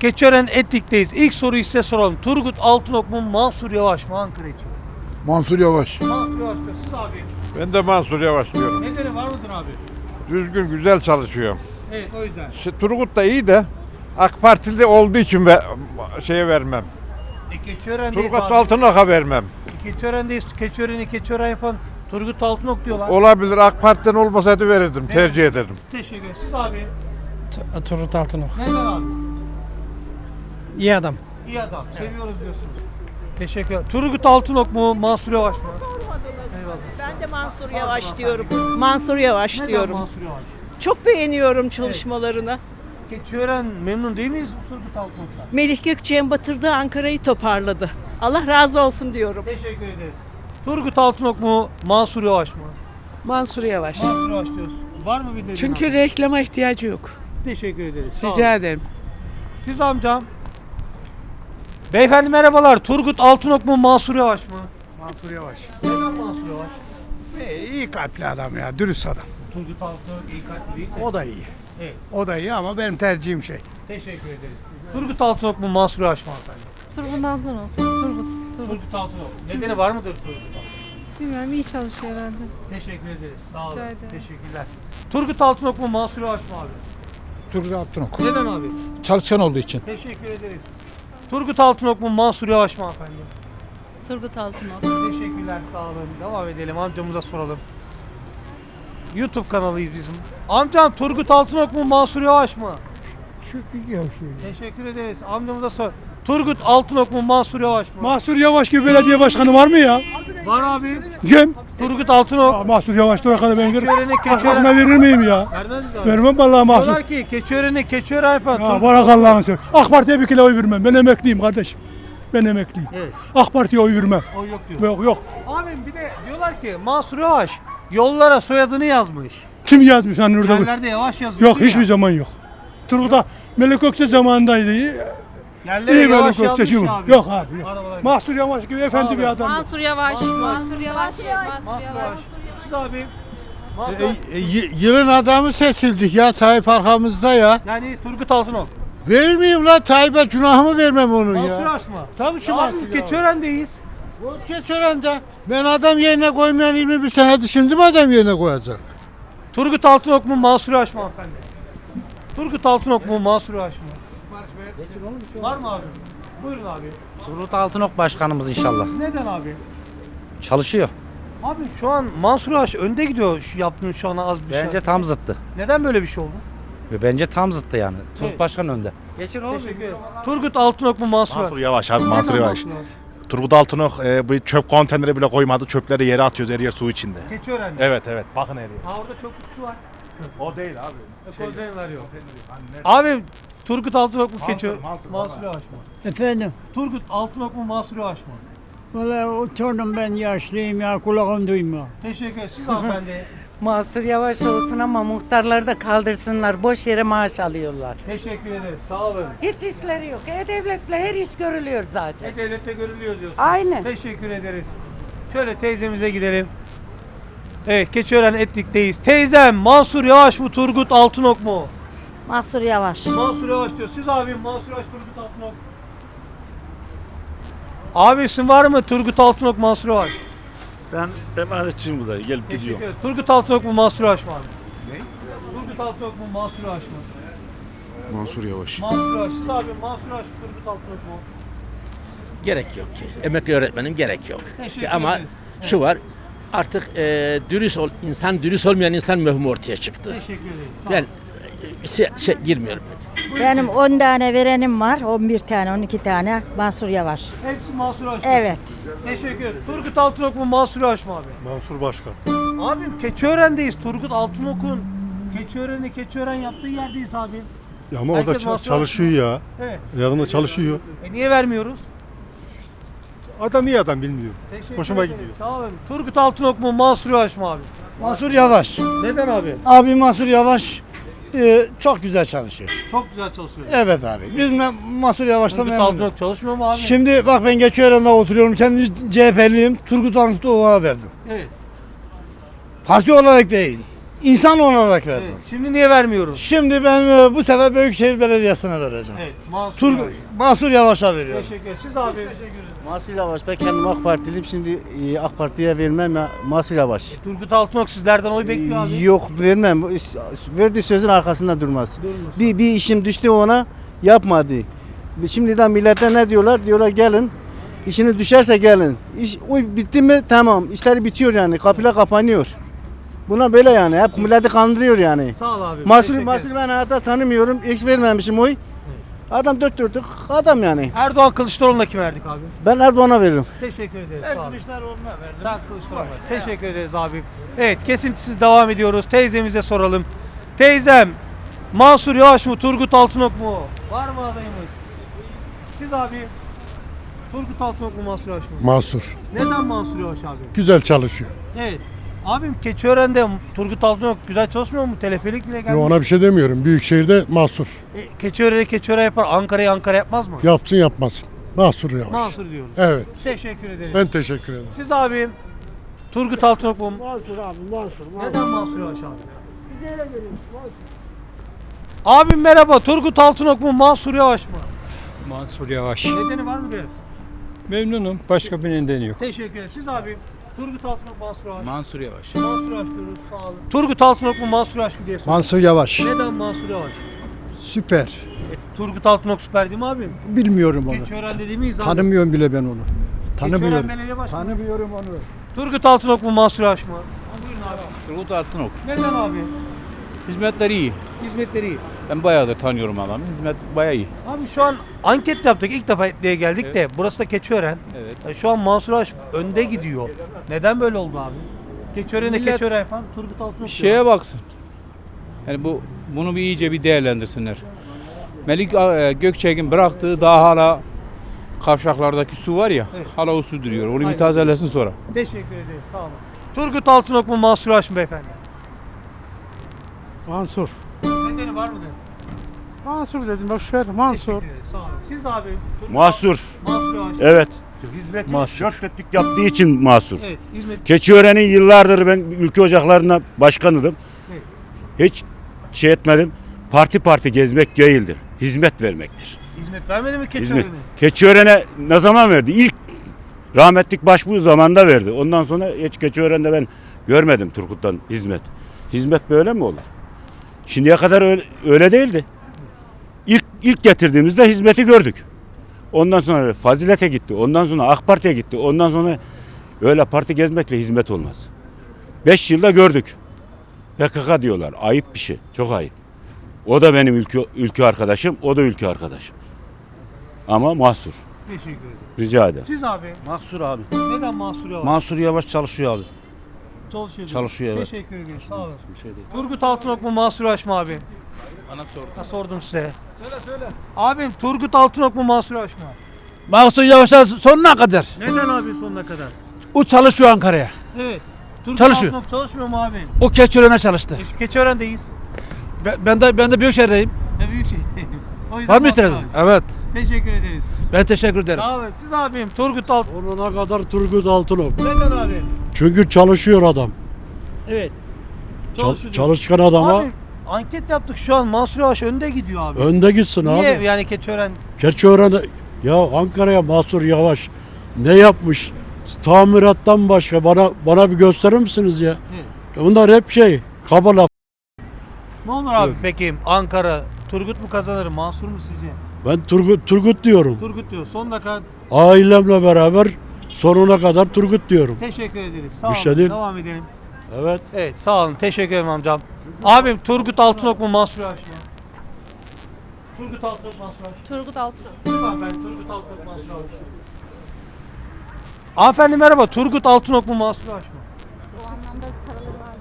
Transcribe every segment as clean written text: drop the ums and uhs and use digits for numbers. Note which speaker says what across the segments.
Speaker 1: Keçiören Etlik'teyiz. İlk soruyu size soralım. Turgut Altınok mu Mansur Yavaş mı Ankara için?
Speaker 2: Mansur Yavaş.
Speaker 1: Mansur Yavaş diyor. Siz abi.
Speaker 3: Ben de Mansur Yavaş diyorum.
Speaker 1: Nedeni var mıdır abi?
Speaker 3: Düzgün, güzel çalışıyor.
Speaker 1: Evet, o yüzden.
Speaker 3: Turgut da iyi de AK Partili olduğu için şeye vermem.
Speaker 1: Keçiören'deyiz
Speaker 3: Turgut
Speaker 1: abi.
Speaker 3: Altınok'a vermem.
Speaker 1: Keçiören'deyiz. Keçiören yapan Turgut Altınok diyorlar.
Speaker 3: Olabilir, AK Parti'den olmasaydı verirdim, tercih ederdim.
Speaker 1: Teşekkür ederim. Siz abi.
Speaker 4: Turgut Altınok.
Speaker 1: Neden abi?
Speaker 4: İyi adam.
Speaker 1: İyi adam. Seviyoruz diyorsunuz. Teşekkür ederim. Turgut Altınok mu Mansur Yavaş mı? Eyvallah.
Speaker 5: Ben de Mansur Yavaş diyorum. Mansur Yavaş
Speaker 1: Neden
Speaker 5: diyorum.
Speaker 1: Mansur Yavaş?
Speaker 5: Çok beğeniyorum çalışmalarını.
Speaker 1: Keçiören memnun değil miyiz Turgut Altınok'la?
Speaker 5: Melih Gökçek'in batırdığı Ankara'yı toparladı. Allah razı olsun diyorum.
Speaker 1: Teşekkür ederiz. Turgut Altınok mu Mansur Yavaş mı?
Speaker 6: Mansur Yavaş.
Speaker 1: Mansur Yavaş diyorsun. Var mı bir nedeni?
Speaker 6: Çünkü
Speaker 1: abi?
Speaker 6: reklama ihtiyacı yok.
Speaker 1: Teşekkür ederiz. Sağ olun.
Speaker 6: Rica ederim.
Speaker 1: Siz amcam. Beyefendi merhabalar. Turgut Altınok mu Mansur Yavaş mı?
Speaker 4: Mansur Yavaş.
Speaker 1: Neden Mansur Yavaş?
Speaker 4: İyi kalpli adam ya, dürüst adam.
Speaker 1: Turgut Altınok iyi kalpli değil mi?
Speaker 4: O da iyi.
Speaker 1: Evet.
Speaker 4: O da iyi ama benim tercihim şey.
Speaker 1: Teşekkür ederiz. Turgut Altınok mu Mansur Yavaş mı hanımefendi?
Speaker 7: Turgut Altınok. Turgut.
Speaker 1: Turgut Altınok. Nedeni var mıdır Turgut Altınok?
Speaker 7: Bilmiyorum, iyi çalışıyor herhalde.
Speaker 1: Teşekkür ederiz. Sağ olun.
Speaker 7: Rica ederim.
Speaker 1: Teşekkürler. Turgut Altınok mu Mansur Yavaş mı abi?
Speaker 2: Turgut Altınok.
Speaker 1: Neden abi?
Speaker 2: Çalışkan olduğu için.
Speaker 1: Teşekkür ederiz. Turgut Altınok mu Mansur Yavaş mı hanımefendi?
Speaker 7: Turgut Altınok.
Speaker 1: Teşekkürler, sağ olun. Devam edelim, amcamıza soralım. YouTube kanalıyız bizim. Amcam Turgut Altınok mu Mansur Yavaş mı? Teşekkür ederiz. Amcamıza sor. Turgut Altınok mu Mansur Yavaş mı?
Speaker 8: Mahsur Yavaş gibi belediye başkanı var mı ya?
Speaker 1: Var abi.
Speaker 8: Kim?
Speaker 1: Turgut Altınok.
Speaker 8: Mahsur Yavaş da kadar ben
Speaker 1: Keçiören'e
Speaker 8: Başkasına verir miyim ya?
Speaker 1: Vermez miyiz abi?
Speaker 8: Vermem vallahi Mahsur.
Speaker 1: Diyorlar ki Keçiören yapan.
Speaker 8: Ya bırak Allah'ını seversen. AK Parti'ye bir kere oy vermem. Ben emekliyim kardeşim. Ben emekliyim.
Speaker 1: Evet.
Speaker 8: AK Parti'ye oy vermem.
Speaker 1: O yok diyor.
Speaker 8: Yok yok.
Speaker 1: Abim bir de diyorlar ki Mansur Yavaş yollara soyadını yazmış.
Speaker 8: Kim yazmış hani orada?
Speaker 1: Yerlerde Yavaş yazıyor.
Speaker 8: Yok hiçbir zaman yok. Turgut'a Melik Gökçe zamanındaydı.
Speaker 1: Yerlere
Speaker 8: İyi Melik
Speaker 1: Yavaş
Speaker 8: Gökçe
Speaker 1: yazmış
Speaker 8: şimdi.
Speaker 1: abi.
Speaker 8: Yok abi yok.
Speaker 1: Arabalar-
Speaker 8: Mahsur Yavaş gibi efendi bir adam.
Speaker 7: Mansur Yavaş. Mansur Yavaş.
Speaker 1: Mansur Yavaş. Siz abi. Mansur
Speaker 2: Yılın adamı seçildik ya Tayyip arkamızda ya.
Speaker 1: Yani Turgut Altınok.
Speaker 2: Verir miyim la Tayyip'e günahımı vermem onun
Speaker 1: Mansur
Speaker 2: ya.
Speaker 1: Yavaş mı?
Speaker 2: Tabii ki
Speaker 1: Ya
Speaker 2: Mansur
Speaker 1: abi
Speaker 2: Yavaş.
Speaker 1: Keçiören'deyiz.
Speaker 2: Keçiören'de ben adam yerine koymayan 21 senedir şimdi mi adam yerine koyacak?
Speaker 1: Turgut Altınok mu Mansur Yavaş mı hanımefendi? Turgut Altınok mu Mansur Yavaş mı? Var mı abi? Buyurun abi.
Speaker 9: Turgut Altınok başkanımız inşallah.
Speaker 1: Neden abi?
Speaker 9: Çalışıyor.
Speaker 1: Abi şu an Mansur Yavaş önde gidiyor şu yaptığın şu an az bir şey.
Speaker 9: Bence tam zıttı.
Speaker 1: Neden böyle bir şey oldu?
Speaker 9: Ve bence tam zıttı yani. Turgut
Speaker 1: Evet.
Speaker 9: Başkan önde. Geçin
Speaker 1: Teşekkür ederim. Turgut Altınok mu Mansur Yavaş?
Speaker 10: Mansur Yavaş abi, Mansur
Speaker 1: Neden
Speaker 10: Yavaş. Turgut Altınok bu çöp konteyneri bile koymadı. Çöpleri yere atıyoruz, her yer su içinde.
Speaker 1: Keçiören'de.
Speaker 10: Evet evet, bakın her yer.
Speaker 1: Ha orada çok kutusu var.
Speaker 10: O değil abi.
Speaker 1: Konteyner yok. Abi Turgut Altınok mu Keçiören?
Speaker 10: Mansur,
Speaker 1: Mansur Yavaş mı?
Speaker 11: Efendim,
Speaker 1: Turgut Altınok mu Mansur Yavaş mı?
Speaker 11: valla oturdum ben yaşlıyım ya kulağım duymuyor.
Speaker 1: Teşekkür ederim. Siz hanımefendi.
Speaker 6: Mansur Yavaş olsun ama muhtarları da kaldırsınlar. Boş yere maaş alıyorlar.
Speaker 1: Teşekkür ederiz. Sağ olun.
Speaker 6: Hiç işleri yok. E-Devlet'le her iş görülüyor zaten.
Speaker 1: Devlette görülüyor diyorsun.
Speaker 6: Aynen.
Speaker 1: Teşekkür ederiz. Şöyle teyzemize gidelim. Evet, Keçiören Etlik'teyiz. Teyzem Mansur Yavaş mı Turgut Altınok mu?
Speaker 5: Mansur Yavaş.
Speaker 1: Mansur Yavaş diyor. Siz abim Mansur Yavaş Turgut Altınok. Abisin var mı Turgut Altınok Mansur Yavaş?
Speaker 12: Ben emanetçiyim burada. Gelip
Speaker 1: Teşekkür
Speaker 12: gidiyorum.
Speaker 1: ederim. Turgut Altınok mu Mansur Yavaş mı abi? Ne? Turgut Altınok mu Mansur Yavaş mı?
Speaker 12: Mansur Yavaş.
Speaker 1: Mansur Yavaş. Siz abim Mansur Yavaş Turgut Altınok mu?
Speaker 9: Gerek yok ki. Emekli öğretmenim gerek yok.
Speaker 1: Teşekkür
Speaker 9: Ama
Speaker 1: ederiz.
Speaker 9: şu var. Artık dürüst dürüst olmayan insan mühim ortaya çıktı.
Speaker 1: Teşekkür ederiz. Sağ
Speaker 9: Ben
Speaker 1: olun.
Speaker 9: girmiyorum.
Speaker 5: Benim 10 tane verenim var. 11 tane, 12 tane. Mansur Yavaş.
Speaker 1: Hepsi Mansur Yavaş.
Speaker 5: Evet.
Speaker 1: Teşekkür ederim. Turgut Altınok mu Mansur Yavaş mı abi?
Speaker 12: Mansur Başkan.
Speaker 1: Abim Keçiören'deyiz. Turgut Altınok'un Keçiören yaptığı yerdeyiz abi.
Speaker 12: Ya ama
Speaker 1: Herkes
Speaker 12: orada
Speaker 1: Mansur
Speaker 12: çalışıyor ya.
Speaker 1: Evet.
Speaker 12: Yanında çalışıyor.
Speaker 1: Niye vermiyoruz?
Speaker 12: Adam iyi adam, bilmiyorum.
Speaker 1: Teşekkür
Speaker 12: Hoşuma
Speaker 1: ederiz.
Speaker 12: gidiyor.
Speaker 1: Sağ olun. Turgut Altınok mu Mansur Yavaş mı abi?
Speaker 4: Mansur Yavaş.
Speaker 1: Neden abi?
Speaker 4: Abi Mansur Yavaş çok güzel çalışıyor.
Speaker 1: Çok güzel çalışıyor.
Speaker 4: Evet abi. Biz Mansur Yavaş'tan
Speaker 1: Turgut
Speaker 4: memnunuz.
Speaker 1: Altınok çalışmıyor mu abi?
Speaker 4: Şimdi bak ben Keçiören'de oturuyorum. Kendi CHP'liyim. Turgut Altınok'a verdim.
Speaker 1: Evet.
Speaker 4: Parti olarak değil. İnsan olarak verdim.
Speaker 1: Evet. Şimdi niye vermiyoruz?
Speaker 4: Şimdi ben bu sefer Büyükşehir Belediyesi'ne vereceğim.
Speaker 1: Evet. Mansur
Speaker 4: Tur
Speaker 1: Yavaş.
Speaker 4: Mansur Yavaş'a veriyorum.
Speaker 1: Teşekkür ederim. Siz abi.
Speaker 4: Mansur Yavaş, ben kendim AK Partiliyim. Şimdi AK Parti'ye vermem ya, Mansur Yavaş.
Speaker 1: Turgut Altınok sizlerden oy bekliyor abi.
Speaker 4: Yok vermem. Verdiği sözün arkasında durmaz. Bir işim düştü ona, yapmadı. Şimdiden millete ne diyorlar? Diyorlar gelin. İşiniz düşerse gelin. İş bitti mi? Tamam. İşleri bitiyor yani. Kapılar kapanıyor. Buna böyle yani. Hep milleti kandırıyor yani.
Speaker 1: Sağ ol abi.
Speaker 4: Mansur ben hayatta tanımıyorum. Hiç vermemişim oy. Adam dört dörtlük adam yani.
Speaker 1: Erdoğan Kılıçdaroğlu'na kim verdik abi?
Speaker 4: Ben Erdoğan'a veririm.
Speaker 1: Teşekkür ederiz. Sağ olun.
Speaker 4: Kılıçdaroğlu'na verdim.
Speaker 1: Sen Kılıçdaroğlu'na. Teşekkür ederiz abi. Evet, kesintisiz devam ediyoruz. Teyzemize soralım. Teyzem, Mansur Yavaş mı, Turgut Altınok mu? Var mı adayımız? Siz abi, Turgut Altınok mu, Mansur Yavaş mı?
Speaker 2: Mansur.
Speaker 1: Neden Mansur Yavaş abi?
Speaker 2: Güzel çalışıyor.
Speaker 1: Evet. Abim Keçiören'de Turgut Altınok güzel çalışmıyor mu? Telefelik bile gelmiş.
Speaker 2: Ona bir şey demiyorum. Büyükşehir'de Mansur.
Speaker 1: Keçiören'e yapar, Ankara'yı Ankara yapmaz mı?
Speaker 2: Yapsın yapmasın. Mansur Yavaş.
Speaker 1: Mansur diyoruz.
Speaker 2: Evet.
Speaker 1: Teşekkür ederiz.
Speaker 2: Ben teşekkür ederim.
Speaker 1: Siz abi, Turgut Altınok mu?
Speaker 4: Mansur abi, Mansur.
Speaker 1: Neden Mansur Yavaş abi? Abim merhaba, Turgut Altınok mu, Mansur Yavaş mı?
Speaker 11: Mansur Yavaş.
Speaker 1: Nedeni var mı derim?
Speaker 11: Memnunum. Başka bir nedeni yok.
Speaker 1: Teşekkür ederim. Siz abi, Turgut Altınok, Mansur Yavaş.
Speaker 11: Mansur Yavaş.
Speaker 1: Mansur Yavaş diyoruz, sağ olun. Turgut Altınok mu, Mansur Yavaş mı diye soruyorum.
Speaker 2: Mansur Yavaş.
Speaker 1: Neden Mansur Yavaş?
Speaker 2: Süper.
Speaker 1: Turgut Altınok süper değil mi abim?
Speaker 2: Bilmiyorum
Speaker 1: Keçiören dedi miyiz abi?
Speaker 2: Tanımıyorum bile ben onu.
Speaker 1: Keçiören Belediye Başkanı.
Speaker 2: Tanımıyorum onu.
Speaker 1: Turgut Altınok mu, Mansur Yavaş mı? Buyurun abi.
Speaker 11: Turgut Altınok.
Speaker 1: Neden abi?
Speaker 11: Hizmetleri iyi.
Speaker 1: Hizmetleri iyi.
Speaker 11: Ben bayağıdır tanıyorum adamı. Hizmet bayağı iyi.
Speaker 1: Abi şu an anket yaptık. İlk defa Etli'ye geldik de. Burası da Keçiören.
Speaker 11: Evet.
Speaker 1: Şu an Mansur Yavaş önde gidiyor. Neden böyle oldu abi? Keçiören'e
Speaker 11: Millet-
Speaker 1: Keçiören yapan Turgut Altınok diyor.
Speaker 11: Şeye baksın. Yani bunu bir iyice bir değerlendirsinler. Melik Gökçek'in bıraktığı daha hala kavşaklardaki su var ya.
Speaker 1: Evet.
Speaker 11: Hala o su duruyor. Onu
Speaker 1: Aynen.
Speaker 11: bir tazelesin sonra.
Speaker 1: Teşekkür ederiz. Sağ olun. Turgut Altınok mu, Mansur Yavaş mı beyefendi?
Speaker 4: Mansur.
Speaker 1: Nedeni var mı dedim?
Speaker 4: Mansur dedim, boş ver. Mansur.
Speaker 1: Teşekkür ederiz. Sağ olun. Siz abi? Turgut
Speaker 10: Mahsur.
Speaker 1: Mansur Yavaş.
Speaker 10: Evet.
Speaker 4: Hizmet
Speaker 10: Dörtlük yaptığı için mahsur.
Speaker 1: Evet. Hizmet.
Speaker 10: Keçiören'in yıllardır ben ülke ocaklarına başkanıydım.
Speaker 1: Evet.
Speaker 10: Hiç şey etmedim. Parti gezmek değildir. Hizmet vermektir.
Speaker 1: Hizmet vermedi mi
Speaker 10: Hizmet.
Speaker 1: Keçiören'e?
Speaker 10: Keçiören'e ne zaman verdi? İlk rahmetlik başbuğ zamanında verdi. Ondan sonra hiç Keçiören'de ben görmedim Turgut'tan hizmet. Hizmet böyle mi olur? Şimdiye kadar öyle değildi. İlk getirdiğimizde hizmeti gördük. Ondan sonra Fazilet'e gitti. Ondan sonra AK Parti'ye gitti. Ondan sonra öyle parti gezmekle hizmet olmaz. 5 yılda gördük. PKK diyorlar. Ayıp bir şey. Çok ayıp. O da benim ülke arkadaşım. O da ülke arkadaşım. Ama mahsur.
Speaker 1: Teşekkür ederim.
Speaker 10: Rica ederim.
Speaker 1: Siz abi?
Speaker 4: Mansur abi.
Speaker 1: Neden Mansur Yavaş?
Speaker 4: Mansur Yavaş çalışıyor abi.
Speaker 1: Çalışıyor.
Speaker 4: Çalışıyor, evet.
Speaker 1: Teşekkür ederim. Sağ olun. Turgut Altınok mu, Mansur Yavaş mı abi?
Speaker 11: Bana sor.
Speaker 1: Ha, sordum size. Söyle. Abim Turgut Altınok mu, Mansur Yavaş mı?
Speaker 4: Mansur Yavaş'a sonuna kadar.
Speaker 1: Neden abi sonuna kadar?
Speaker 4: O çalışıyor Ankara'ya.
Speaker 1: Evet. Turgut
Speaker 4: Çalışıyor.
Speaker 1: Altınok çalışmıyor mu abi?
Speaker 4: O Keçiören'e çalıştı.
Speaker 1: Keçiören'deyiz.
Speaker 4: Ben de Büyükşehir'deyim.
Speaker 1: Ne büyük şey. O yüzden
Speaker 4: Var mı
Speaker 1: Mansur
Speaker 4: itirazın?
Speaker 1: Yavaş.
Speaker 2: Evet.
Speaker 1: Teşekkür ederiz.
Speaker 4: Ben teşekkür ederim.
Speaker 1: Sağ olun. Siz abim Turgut Altınok.
Speaker 2: Onuna kadar Turgut Altınok.
Speaker 1: Neden abi?
Speaker 2: Çünkü çalışıyor adam.
Speaker 1: Evet. Çalışıyor.
Speaker 2: Çalışkan adama
Speaker 1: Abi anket yaptık şu an Mansur Yavaş önde gidiyor abi.
Speaker 2: önde gitsin
Speaker 1: Niye
Speaker 2: abi.
Speaker 1: yani Keçiören?
Speaker 2: Keçiören'de ya Ankara'ya Mansur Yavaş ne yapmış? Tamirattan başka bana bir gösterir misiniz ya? Bunlar hep kaba laf.
Speaker 1: Ne olur abi peki Ankara Turgut mu kazanır Mansur mu sizce?
Speaker 2: Ben Turgut diyorum.
Speaker 1: Turgut diyor. Son dakika
Speaker 2: Ailemle beraber sonuna kadar Turgut diyorum.
Speaker 1: teşekkür ederiz. Sağ
Speaker 2: Bir
Speaker 1: olun.
Speaker 2: şey değil.
Speaker 1: Devam edelim.
Speaker 2: Evet.
Speaker 1: Evet sağ olun. Teşekkür ederim amcam. Abim Turgut Altınok mu Mansur Yavaş mı? Turgut Altınok Mansur Yavaş.
Speaker 7: Turgut Altınok.
Speaker 1: Lütfen ben Turgut Altınok Mansur Yavaş. Hanımefendi merhaba. Turgut Altınok mu Mansur Yavaş mı?
Speaker 7: O anlamda paraları var.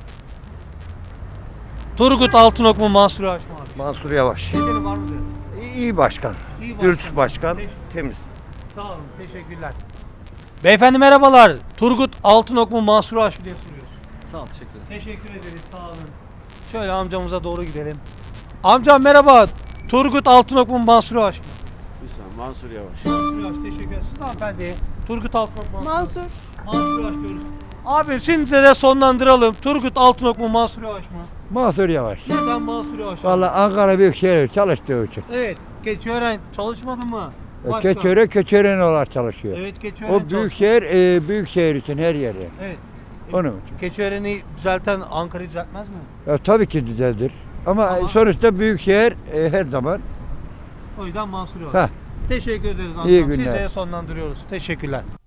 Speaker 1: Turgut Altınok mu Mansur Yavaş mı abi?
Speaker 3: Mansur Yavaş.
Speaker 1: Nedeni var mı diyor?
Speaker 3: İyi başkan.
Speaker 1: İyi
Speaker 3: Dürüst başkan.
Speaker 1: Teşekkür-
Speaker 3: Temiz.
Speaker 1: Sağ olun. Teşekkürler. Beyefendi merhabalar. Turgut Altınok mu Mansur Yavaş mı diye soruyoruz.
Speaker 11: Sağ ol. Teşekkür ederim.
Speaker 1: Teşekkür ederiz. Sağ olun. Şöyle amcamıza doğru gidelim. Amcam merhaba. Turgut Altınok mu Mansur Yavaş mı?
Speaker 3: Mansur Yavaş.
Speaker 1: Mansur Yavaş teşekkür ederiz. Siz hanımefendi. Turgut Altınok mu?
Speaker 7: Mansur.
Speaker 1: Mansur Yavaş diyoruz. Abi şimdi de sonlandıralım. Turgut Altınok mu Mansur Yavaş mı?
Speaker 13: Mansur Yavaş.
Speaker 1: Neden Mansur Yavaş?
Speaker 13: Vallahi Ankara Büyükşehir çalıştığı için.
Speaker 1: Evet. Keçiören çalışmadı mı? Başka?
Speaker 13: Keçiören olarak çalışıyor.
Speaker 1: Evet Keçiören
Speaker 13: O büyükşehir için her yerde.
Speaker 1: Evet.
Speaker 13: Onun için.
Speaker 1: Keçiören'i düzelten Ankara'yı düzeltmez mi?
Speaker 13: Tabii ki düzeldir. Ama sonuçta büyükşehir her zaman.
Speaker 1: O yüzden Mansur Yavaş.
Speaker 13: Heh.
Speaker 1: Teşekkür ederiz.
Speaker 13: İyi
Speaker 1: Hakan.
Speaker 13: günler.
Speaker 1: Size sonlandırıyoruz. Teşekkürler.